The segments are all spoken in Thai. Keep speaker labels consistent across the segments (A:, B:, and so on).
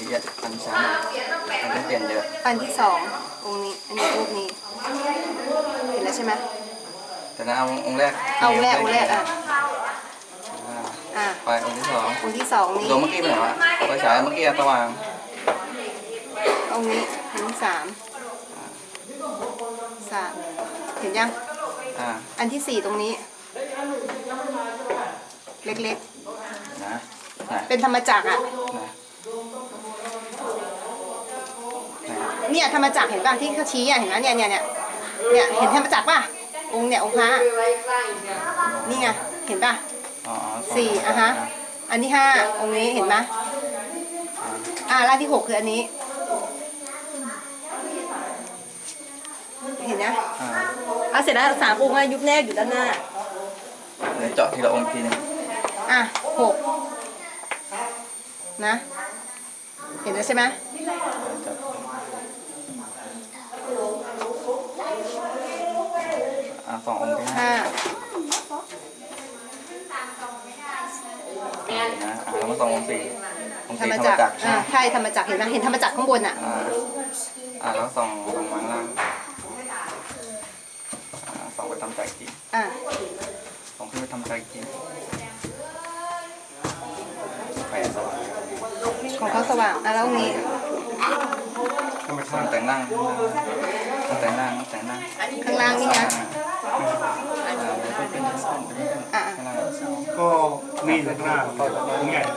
A: อันที่สามมันเปลี่ยนเยอะ
B: อันที่สององค์นี้อันนี้รูปนี้เห็นแล้วใช่ไหม
A: แต่นะเอาองค์แรก
B: เอาองค์แรก
A: ไปองค์ที่สอง
B: นี่
A: ดวงเมื่อกี้เป็นไงวะไฟฉายเมื่อกี้สว่าง
B: องค์นี้อันที่สามเห็นยังอันที่สี่ตรงนี้เล็กๆ
A: นะ
B: เป็นธรรมจักรอ่ะเนี่ยธรรมจักรเห็นป่ะที่เขาชี้อ่ะเห็นไหมเนี่ยเห็นธรรมจักรป่ะองค์พระนี่ไงเห็นป่ะสี่ฮะอันที่ห้าองค์นี้เห็นไหมร่างที่หกคืออันนี้เห็นนะเสร็จแล้วสามองค์ยุบแนบอยู่ด้านหน้า
A: เดี๋ยวเจาะทีละองค์ทีนึง
B: หกนะเห็นแล้วใช่ไหม
A: สององค์ที่ห้านะแล้วมาสององค์สี่
B: ธรรมจักรใช่ธรรมจักรเห็นไหมเห็นธรรมจักรข้างบน
A: แล้วสองวางล่างสองไปทำใจจริงสองขึ้นไปทำใจจริงไฟสว่าง
B: ของเขาสว่างแล้วนี้
A: แต่งนั่ง
B: ข้างล่างนี่นะ
C: ก็มีข้างหน้าองค์ใหญ่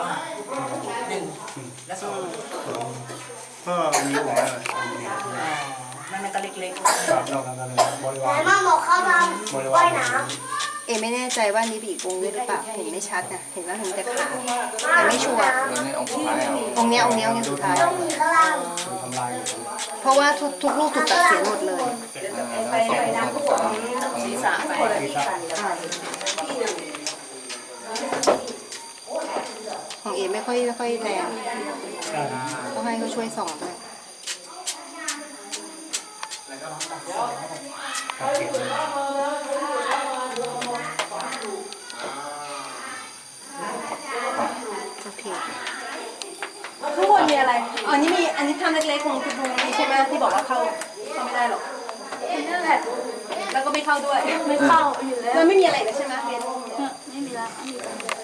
D: และสอง
C: ก็มีองค์ใหญ่
D: มันก็เล็ก
C: ๆครับเราทำกันบริวาร
E: มาหมกเขาทำว่ายน้ำ
B: ไม่แน่ใจว่านี่เป็นอีกองค์ด้วยหรือเปล่าเห็นไม่ชัดนะเห็นว่าเห็นแต่ขาแต่ไม่ชัวร์องค์นี้สุดท้ายเพราะว่าทุกรูปถูกตัดเสียหมดเลยของไม่ค่อยแรงต้องให้เขาช่วยส่องด้วยโอเคข้างบนมีอะไรอันนี้ทำเล็กๆของคุณลุงนี่ใช่ไหมที่บอกว่าเข้าไม่ได้หรอกนั่นแหละแล้วก็ไม่เข้าด้วย
E: ไม่เข้าอยู่แล้ว
B: มันไม่มีอะไรเลยใช่ไหมเบน
E: ไม่มีแล้ว